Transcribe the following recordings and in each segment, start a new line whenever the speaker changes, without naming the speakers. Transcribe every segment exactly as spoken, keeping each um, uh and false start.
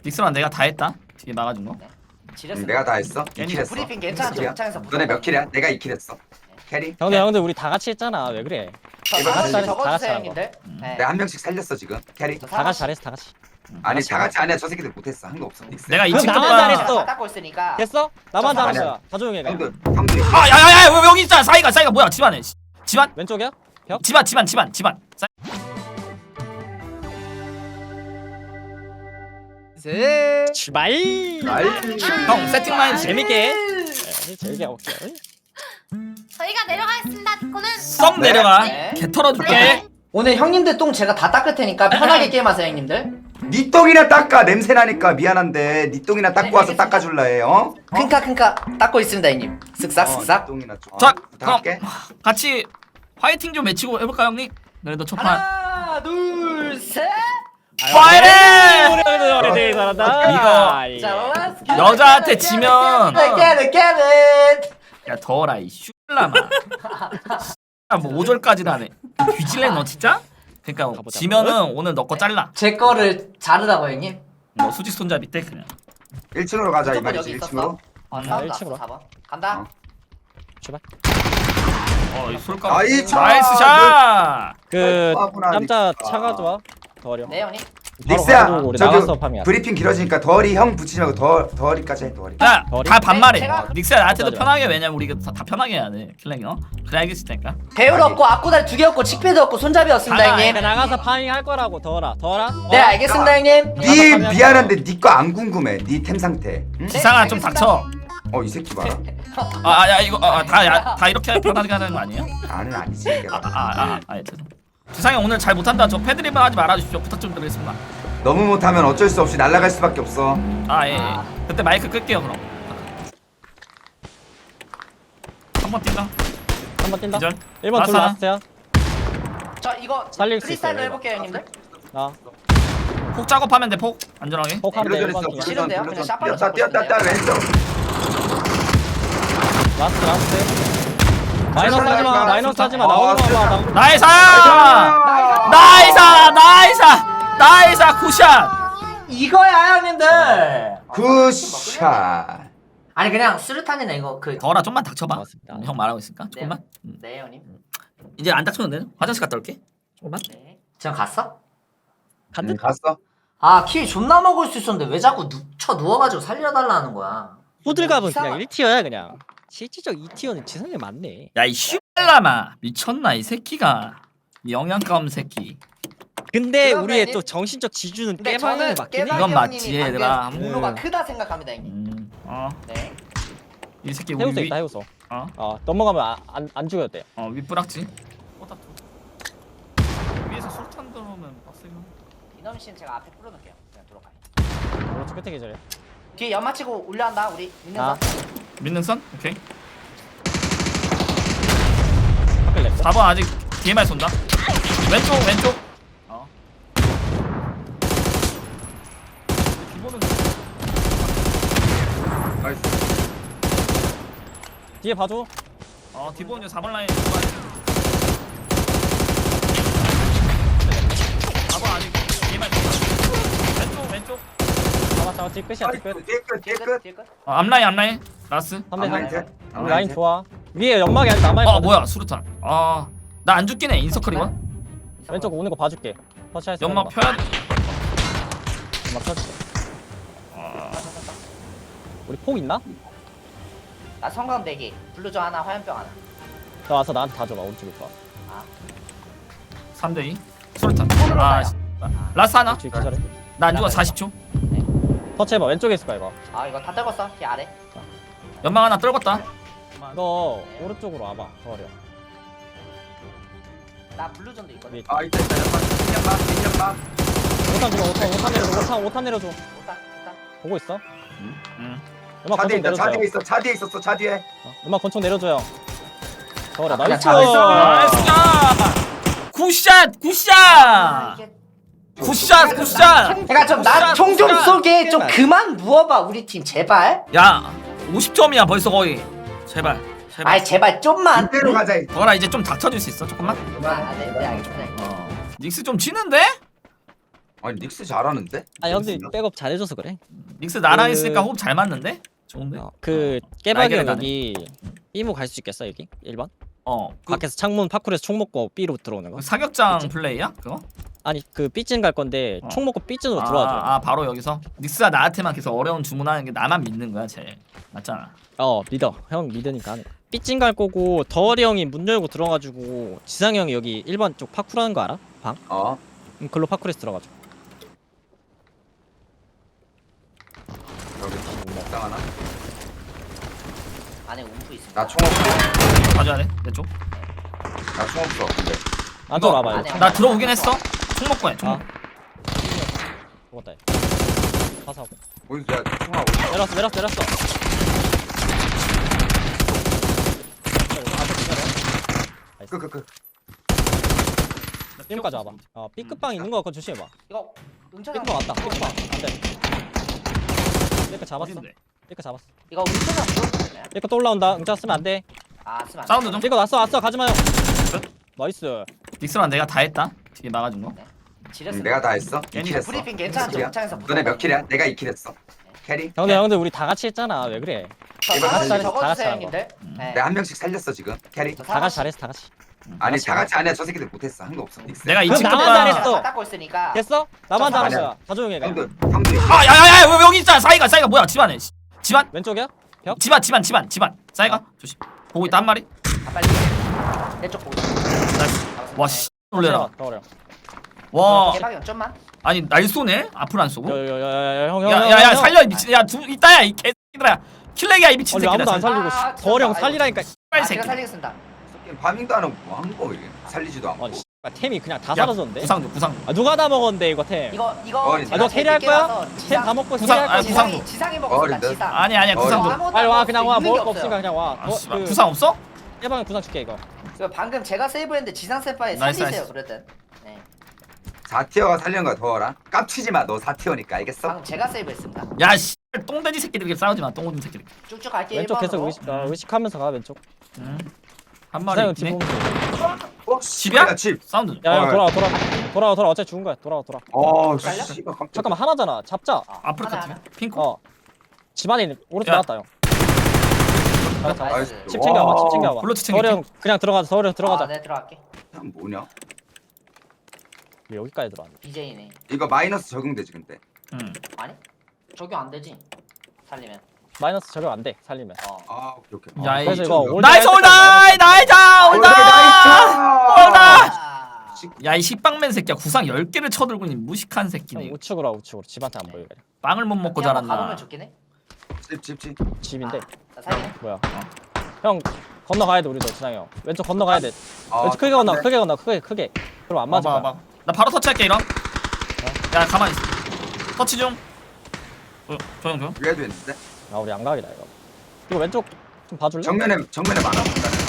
닉스랑 내가 다 했다. 뒤에 막아준 거.
지렸어.
응, 내가 다 했어. 이 킬 했어.
브리핑 괜찮아.
킬이야.
정창에서
너네 몇 킬이야? 내가 이 킬 했어. 캐리?
형들 형들 우리 다 같이 했잖아. 왜 그래?
이거
다 같이
잘했어.
적어주세요
다 같이
형님들. 네.
내가 한 명씩 살렸어 지금. 캐리?
다 같이 잘했어 다 같이.
아니 다 같이 아니야. 저 새끼들 못했어. 한 거 없어. 닉스.
내가 이
그럼
친구가
나만 잘했어.
다 닦고 있으니까.
됐어? 나만
저
잘한
아니야.
거야. 다 조용해 그냥.
형들 형들이.
아 야야야 왜 여기 있잖아. 사이가 사이가 뭐야? 집안에. 씨. 집안?
왼쪽이야? 벽?
집안 집안 집안 집안. 사이.
출발.
형 세팅만 해주세요.
재밌게. 네, 재밌게 하고 올게요.
저희가 내려가겠습니다. 그거는
썩 내려가.
네.
개 털어줄게.
네.
오늘 형님들 똥 제가 다 닦을 테니까 편하게 게임하세요 형님들.
니 똥이나 닦아. 냄새 나니까 미안한데 니 똥이나 닦고
네,
와서
알겠습니다.
닦아줄라 해. 어?
큰카 큰카 닦고 있습니다 형님. 쓱싹
어,
쓱싹.
니 똥이나 좀.
자
어,
그럼
부탁할게.
같이 화이팅 좀 외치고 해볼까 형님? 그래도 첫판.
하나 둘 셋.
파이팅!
우리 우리 잘한다.
이거
자, let's get it,
여자한테
get it,
지면-
get it, get it, get it.
야 더워라 이 슈라마. 뭐 오 절까지도 하네. 뒤질래 너 진짜? 그러니까
가보자.
지면은 오늘 너 거 잘라.
제 거를 자르라고 형님.
뭐 수직 손잡이 때 그냥.
일 층으로 가자 이
무조건
말이지.
여기
일
있었어.
층으로.
어,
음,
사운드
일 층으로.
왔어, 사 번. 간다.
어.
출발.
어이 솔까.
아이, 참.
나이스 샷.
그
아구나,
깜짝
닉스.
차 가져와. 더 어려.
네 형님.
닉스야.
가지고 우리
저기
나가서 파밍하자.
브리핑 길어지니까 덜이 형 붙이지 말고 덜 덜이까지 해 덜이.
야,
머리?
다 반말해.
네, 제가-
어, 닉스야 나한테도
맞아.
편하게 왜냐면 우리가 다, 다 편하게 해야 돼. 킬랭이 어? 그래 알겠을 테니까.
배울 없고 앞구다리 두 개 없고 칙패드 없고 손잡이였습니다
아,
형님.
내가 나가서 파밍 할 거라고 더라. 더라.
네 알겠습니다 형님.
니
나가서
미안한데 니 거 안 궁금해. 니 템 상태. 응?
지상아 좀
알겠습니다.
닥쳐.
어 이 새끼 봐라.
아야 이거 아, 다, 야, 다 이렇게 편하게 하는 거 아니에요?
나는 아니지. 이게.
아아아 아, 아, 아, 죄송. 지상이 오늘 잘 못한다. 저 패드립만 하지 말아주십시오. 부탁 좀 드리겠습니다.
너무 못하면 어쩔 수 없이 날아갈 수밖에 없어.
아 예. 예. 그때 마이크 끌게요 그럼. 한 번 뛴다.
한번 뛴다.
기절.
일 번 둘
라스나.
라스트야.
저 이거
살릴 수
프리스타일로
있어요,
해볼게요 형님들.
나.
폭 작업하면 돼 폭. 안전하게.
폭하면 돼. 일
불러줘
번
있어.
팀.
싫은데요? 그냥 샷발로
뛰었다 뛰었다 뛰었다 왼쪽.
라스트 라스트. 마이너스 하지 마. 마이너스 하지 마.
어,
나오는 거 봐. 나-
나이스! 나이스! 나이스! 나이스! 굿샷!
이거야 형님들.
굿샷.
아니 그냥 수류탄이나 이거 그.
더라 좀만 닥쳐봐.
고맙습니다.
음, 형 말하고 있으니까 조금만. 음.
네 형님.
이제 안 닥쳐도 돼. 화장실 갔다 올게. 조금만.
네. 지금 갔어?
간다.
응, 갔어.
아 키 존나 먹을 수 있었는데 왜 자꾸 누, 쳐 누워가지고 살려달라는 거야.
호들갑은
이상하-
그냥 일 티어야 그냥. 실질적 이 티어는 지성이 많네.
야 이 슈발라마 미쳤나 이 새끼가. 이 영양감 새끼.
근데
그러면
우리의
이-
또 정신적 지주는
근데
깨방이
저는
맞긴 해.
이건
깨박이
맞지,
형님이 방금
얘들아.
공로가
음.
크다 생각합니다 형님.
음. 어.
네.
이 새끼 우리
해우소
위.
있다 해우소.
어.
어 넘어가면 안 안 죽여도 돼.
어 윗부락지. 어, 다 위에서 술탄 들어오면 빡세요.
이놈 씨는 제가 앞에 풀어놓을게요. 그냥 들어가요.
오른쪽 끝에 계절해.
뒤에 연마 치고 올려한다 우리 있는
아.
거.
믿는 선? 오케이.
밖을 냈어.
사 번 아직 뒤에만 쏜다. 왼쪽 왼쪽. 어. 기본은
나이스.
뒤에 봐줘.
어 기본은 사 번 라인. 사 번 아직 뒤에만 쏜다. 왼쪽 왼쪽.
잡아 잡아 뒤 끝이야 뒤 끝.
뒤에 끝 뒤에
뒤에 끝
끝.
뒤에 끝.
어, 앞라인 앞라인. 라스.
삼 대
앞라인
삼.
셋.
우리
앞라인
라인
셋.
좋아. 위에 연막이 아직 남아
어
있거든.
뭐야 수류탄. 아 나 안 죽긴 해 인서클이건.
왼쪽 오는 거 봐줄게. 터치할 수 있는
연막
거.
펴야 돼.
연막 터치.
아,
우리 폭 있나?
나 성광 대기. 블루저 하나 화염병 하나.
너 와서 나한테 다 줘봐 오른쪽에 봐.
삼 대 이. 수류탄.
손으로
아
쏴요.
씨. 라스 하나.
뒤 기절해.
나 안 죽어 사십 초.
터치해봐 왼쪽에 있을 거야 이거.
아 이거 다 떨궜어. 뒤 아래.
연막 하나 떨궜다.
너 오른쪽으로 와봐. 더 어려.
나 블루전도 있거든.
위에.
아 있다 있다. 연막 연막.
오탄 주고 오탄 오탄 내려줘. 오탄 오탄 내려줘.
오다 오다.
보고 있어?
응.
음악
차 뒤에
권총
있다. 차
내려줘요.
뒤에 있어. 차 뒤에 있었어. 차 뒤에.
어, 음악 권총 내려줘요. 더 어려.
아, 그냥
나이스.
잡았어.
나이스 샷! 굿샷! 굿샷!
이게-
굿샷! 굿샷!
그러니까 좀 나 총 좀
굿샷!
쏘게 좀 그만 누워봐 우리 팀 제발.
야 오십 점이야 벌써 거의. 제발 제발.
아이 제발 좀만.
이대로 가자.
너라 이제 좀 닥쳐줄 수 있어 조금만?
아, 네, 네 알겠습니다.
어 닉스 좀 치는데?
아니 닉스 잘하는데?
아 형들 백업 잘해줘서 그래.
닉스 나랑
그-
있으니까 호흡 잘 맞는데? 좋은데?
어, 그 깨박이 형
날개를
여기 B모 갈 수 있겠어 여기 일 번?
어. 그,
밖에서 창문 파쿠에서 총 먹고 B로 들어오는 거?
그 사격장
그치?
플레이야? 그거?
아니 그 B쯤 갈 건데
어.
총 먹고 B쯤으로
아,
들어와줘.
아 바로 여기서? 닉스가 나한테만 계속 어려운 주문하는 게 나만 믿는 거야 제일. 맞잖아.
어 믿어. 형 믿으니까 하는 거야. B쯤 갈 거고 덩어리 형이 문 열고 들어가지고 지상이 형이 여기 일 번 쪽 파쿠라는 거 알아? 방?
어?
음, 글로 파쿠에서 들어가죠.
여기 먹당 하나?
안에 움프 있습니다.
나 총 없어.
가져야 돼? 내 쪽?
나 총 없어. 근데
안쪽
이거-
와봐요.
안에-
나 들어오긴 했어. 총 먹고 해. 총
아.
먹고.
죽었다. 얘. 가사하고.
어디서 야 총하고.
내렸어 내렸어 내렸어.
끄끄끄.
B까지 와봐. 어 B급방 있는 거 같고 조심해봐.
이거 응천아.
B급 왔다. B급방 안돼. B급 잡았어.
어딘데?
B급 잡았어.
이거 응천아 물어보세요.
B급 또 올라온다. 응자 쓰면 안돼.
아 쓰면 안 돼.
사운드 좀.
B급 왔어 왔어 가지마요. 나이스.
닉스랑 내가 다 했다. 뒤에 막아준 거.
응,
지렸습니다.
내가 다 했어. 이
괜히
킬 했어.
브리핑 괜찮죠?
킬이야?
영창에서
너네 몇 킬이야? 내가 이 킬 했어. 캐리?
형들 형들 우리 다 같이 했잖아. 왜 그래?
저
이거
다 같이
다
적어주세요
같이
형님들. 네.
내가 한 명씩 살렸어 지금. 캐리?
저
다 같이 잘했어 다 같이.
아니 다 같이 아니야. 저 새끼들 못했어. 한 거 없어. 닉스.
내가 이
그럼
친구랑
나만 잘했어.
다 닦고 있으니까.
됐어? 나만
저
잘한
아니야.
거야. 다 조용히 해. 그냥.
형들 형들이.
아 야야야 왜 여기 있잖아. 사이가 사이가 뭐야? 집안에. 씨. 집안?
왼쪽이야? 벽?
집안 집안 집안 집안. 사이가 조심. 보고 있다 한 마리.
아, 빨리. 내쪽 보고 있어.
나이스. 와 씨. 놀래라.
더 어려.
와
개박이 영 점만.
아니 날 쏘네? 앞으로 안 쏘고?
야야야야 형 형.
야야야 살려 이 미친. 야두 이따야 이 개새끼들아. 킬렉이야 이 미친
아니 아무도 안
새끼들.
살리고
아,
씨. 더어령
진짜.
살리라니까.
빨리
아,
새끼.
제가 살리겠습니다.
새끼는 파밍도 안 하고 뭐 한 거 이게. 살리지도 않고.
아니 씨. 템이 그냥 다
야,
사라졌는데.
구상도 구상.
아 누가 다 먹었는데 이거 템.
이거 이거
어린데.
제가
아 너
제일
캐리할
늦게
거야?
와서
템
지상-
다 먹고
구상-
캐리할
아,
거야.
구상-
지상이 지상이 먹었습니다.
어린데.
지상.
아니 아니야 구상 좀.
아무것도
빨리 와
없어요.
그냥 와
있는
먹을
게
거
없어요.
없으니까 그냥 와.
아
어,
씨발
그
구상 없어?
해방에 구상 줄게 이거.
그래서 방금 제가 세이브했는데 지상 세파에
나이스,
살리세요
나이스.
그러든. 네.
사 티어가 살리는 거야 더워라. 깝치지 마. 너 사 티어니까 알겠어?
방금 제가 세이브했습니다.
야 씨. 똥돼지 새끼들끼리 싸우지 마. 똥오줌 새끼들.
쭉쭉 갈게요.
왼쪽 계속
일번으로.
의식 어, 의식하면서 가 왼쪽.
응. 한 마리
사형
있네.
뒤 보면서.
어?
집이야?
집.
사운드.
야야
어.
돌아와 돌아. 돌아와 돌아. 어차피 죽은 거야. 돌아와 돌아.
어,
살려?
씨발 깜짝.
잠깐만 하나잖아. 잡자.
아,
앞으로
하나,
카트.
하나.
핑크.
어. 집안에 있는 오른쪽
야.
나왔다 형. 잡았다.
나이스.
집 챙겨와봐. 집 챙겨와봐.
블루투스 챙길게.
서울형 그냥 들어가자. 서울형 들어가자.
아, 네 들어갈게.
참 뭐냐?
왜 여기까지 들어왔네.
비제이네.
이거 마이너스 적용되지 근데.
응.
아니? 적용 안 되지. 살리면.
마이너스 적용 안 돼. 살리면.
어.
아 오케이 오케이.
야,
아,
이-
그래서 이거 올
나이스 올다이 나이자 올다. 올다.
아.
야이 식빵맨 새끼야 구상 열 개를 쳐들고 있는 무식한 새끼네.
형 우측으로 와 우측으로. 집한테 안 보이게.
빵을 못 먹고
그냥 한번
자랐나.
가보면 좋긴 해.
집집집.
집인데.
자, 살리네.
뭐야? 형 건너가야 돼 우리도 지상이 형. 왼쪽 건너가야 돼.
아,
왼쪽 크게 건너.
네.
크게 건너. 크게 크게. 그럼 안 맞을
봐봐
거야.
봐봐. 나 바로 터치할게 이런. 야 가만 있어. 터치 중. 어, 조용 조용.
위에도 있는데.
아 우리 양각이다 이거. 이거 왼쪽 좀 봐줄래?
정면에 정면에 많아.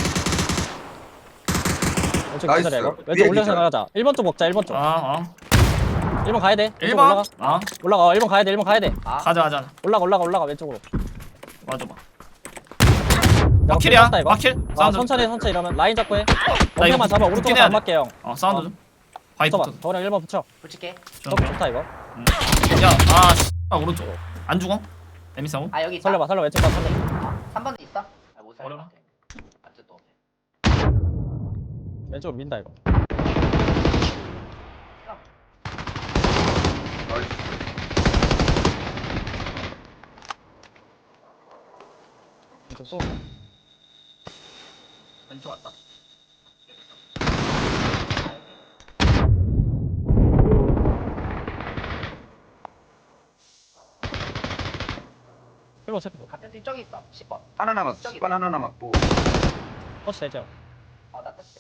왼쪽
나이스.
기다려 이거.
위에
왼쪽 올려서
있잖아.
나가자. 일 번 쪽 먹자. 일 번 쪽.
아 어.
일 번 가야 돼. 왼쪽
일 번.
올라가.
어.
올라가. 어, 일 번 가야 돼. 일 번 가야 돼.
아.
가자 가자.
올라가 올라가 올라가 왼쪽으로.
와줘봐.
야,
마킬이야.
끝났다, 이거.
마킬.
아,
사운드.
천천히 천천히 이러면 라인 잡고 해.
이거
원태만 잡아. 오른쪽으로
붙긴 해야
안
돼.
맞게 형.
어 사운드
어.
좀. 바이트.
붙어봐. 더랑 일 번 붙여.
붙일게.
더 좋다 이거.
야아 씨. 아, 오른쪽. 안 죽어? 에미사고?
아 여기 있다.
살려봐 살려 왼쪽 봐 살려.
삼 번에 있어. 아, 못 살릴 것
어려워.
같아. 아직 또.
왼쪽으로 민다 이거. 왼쪽 쏘.
왼쪽 왔다.
일 번 체크.
같은 팀 저기 있어. 십 번.
하나 남았어.
저기.
십 번 하나 남았고.
터치 되죠.
어, 나 떴어.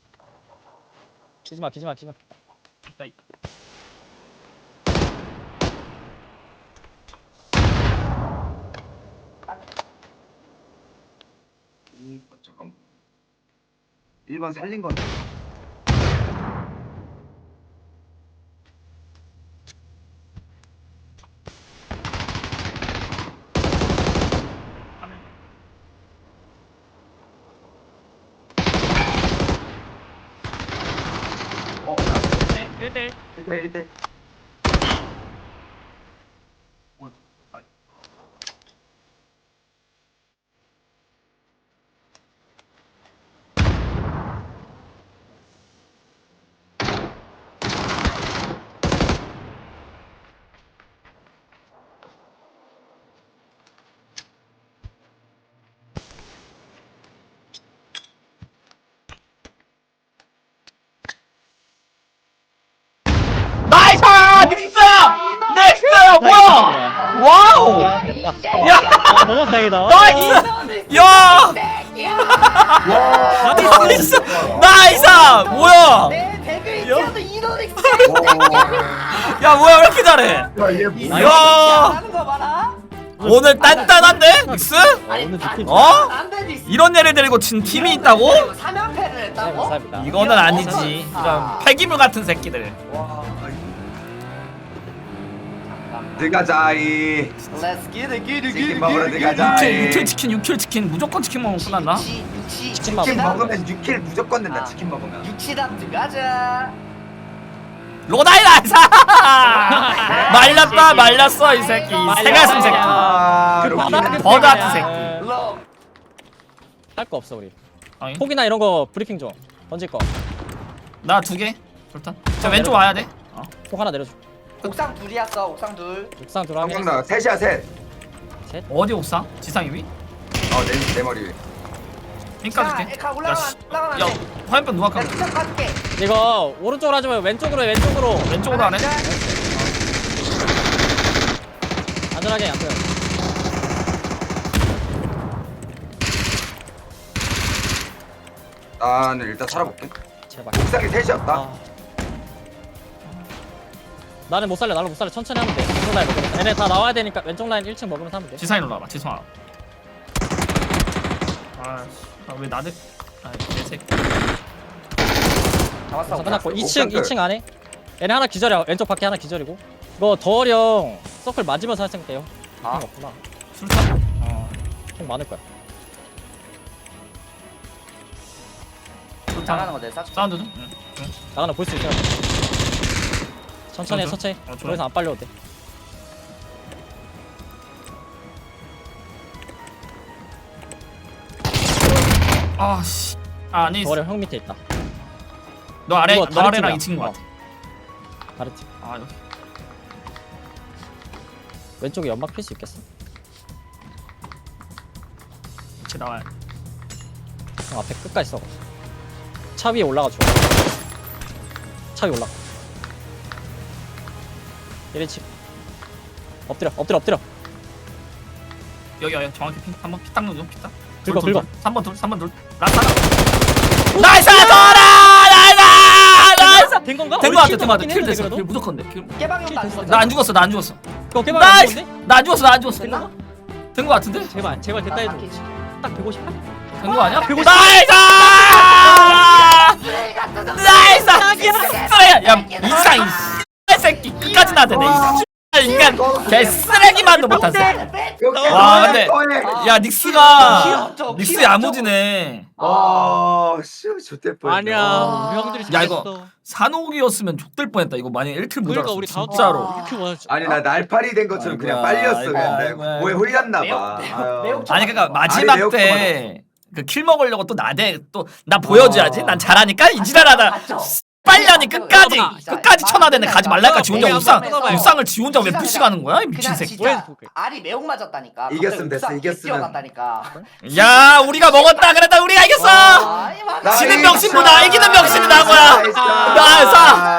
기지마 기지마 기지마.
있다, 있다.
일 번 잠깐. 일 번 살린 건데. 어,
일 대 일.
일 대 일 대.
아, 너무 다행이다.
나이스! 야! 나이스! 나이스! 뭐야? 야 뭐야 왜 이렇게 잘해? 야 오늘 단단한데? 닉스?
오늘 느낌
어? 이런 애를 데리고 진 팀이 있다고?
삼연패를
네,
했다고?
감사합니다.
이거는 아니지. 이런 폐기물 같은 새끼들.
들어가자이.
Let's get it, get it,
치킨 먹으러
육 킬,
들어가자이.
육 킬 치킨, 육 킬 치킨 무조건 치킨 먹으면 끝난다.
육치,
치킨만
치킨
먹으면
먹으면 육 킬 무조건 된다.
아.
치킨 먹으면.
육치답 들어가자.
로다이 나이스! 말렸다 말렸어 이 새끼. 새가슴 새끼.
아,
그
로키는
바닥
버드 같은 새끼.
로.
할거 없어 우리.
아니,
폭이나 이런 거 브리핑 좀 던질 거.
나 두 개. 좋다. 자 왼쪽 와야 돼. 어.
폭 하나 내려줘.
옥상 둘이었어. 옥상 둘.
옥상 들어가면
성경 나 셋이야 셋.
셋.
어디 옥상? 지상 위?
어내 내 머리 위에.
핑까
자,
줄게.
에카
야,
올라가면
씨.
올라가면
야
안 돼.
화염병 누가 깎아?
나 투척 갈게.
이거 오른쪽으로 하지 말고 왼쪽으로 해, 왼쪽으로.
왼쪽으로 하네.
안전하게 안 보여.
나는 일단 살아볼게.
제발.
옥상에 셋이었다.
아. 나는 못 살려. 나는 못 살려. 천천히 하면 돼. 왼쪽 라인 먹으면. 얘네 다 나와야 되니까 왼쪽 라인 일 층 먹으면서 하면 돼.
지상에 올라와봐. 지상아. 아왜 나들? 아내 새끼.
잡았어.
그래서 끝났고
옥상
이 층
끝.
이 층 안에 얘네 하나 기절이야. 왼쪽 밖에 하나 기절이고. 이거 더어리 형 서클 맞으면서 할 생각해요.
아.
아. 없구나.
술탄? 어.
총 많을 거야.
나가는
술탄.
거 내가 싹.
사운드 좀. 응. 응.
나가나 볼 수 있어. 천천히 해,
좋아,
천천히.
좋아. 어, 좋아.
더 이상 안 빨려도 돼.
아 씨. 아 아니.
더어리 형 밑에 있다.
너 아래
이거
너
다른
아래랑
팀이야.
이 친구
어.
같아.
다른 팀.
아 여기.
왼쪽에 연막 필 수 있겠어?
이렇게 나와야 돼.
형 앞에 끝까지 써. 차 위에 올라가 줘. 차 위에 올라가. 이래치. 엎드려, 엎드려, 엎드려.
여기 여기 정확히 피 한번 피딱 넣어줘 피딱.
긁어, 긁어.
삼 번 둘, 삼 번 둘. 라스 하나. 나이스 돌아! 나이스! 나이스!
된 건가?
된거 같아, 된거 같아. 킬 됐어.
그래도?
킬 무조건 돼. 킬.
깨방용 안
나 안 죽었어, 나 안 죽었어.
그거 깨방 안
나이스!
좋은데?
나 안 죽었어, 나 안 죽었어.
됐나?
된 거 같은데?
제발, 제발 됐다 해줘. 딱 백오십팔?
된 거 아니야?
백오십.
나이스! 나이스! 쓰레기! 야, 이상 이 새끼 끝까지 나대네. 이 인간 개 쓰레기만도 못하어. 와, 근데 야 닉스가 닉스 야무지네.
아, 씨, 좋대 뻔.
아니야, 우리 형들이
야, 이거
잘했어.
산옥이었으면 족될 뻔했다. 이거 만약 일 킬 못
그러니까
잡았어.
우리 다음
진짜로.
이렇게 원하지.
아니 나 날파리 된 것처럼 그냥
아이고야,
빨렸어.
아이고야,
그냥
아이고야,
내가 뭐에 홀렸나
매우-
봐.
매우- 매우
아니 그러니까
아니,
마지막
매우
때 그 킬 먹으려고 또 나대 또 나 보여줘야지. 난 잘하니까 이지랄하다. 빨려니 끝까지 끝까지 쳐나대네. 가지 말라니까 지 혼자 옥상 옥상을 지 혼자 왜 푸시가는 거야 이 미친
그냥
새끼.
진짜 알이 매혹 맞았다니까.
이겼으면 됐어, 이겼으면.
뛰어갔다니까.
야 우리가 먹었다 그랬다 우리가 이겼어.
아, 이 맞아.
지는 명심보다 이기는 명심이 나은 거야. 나이스.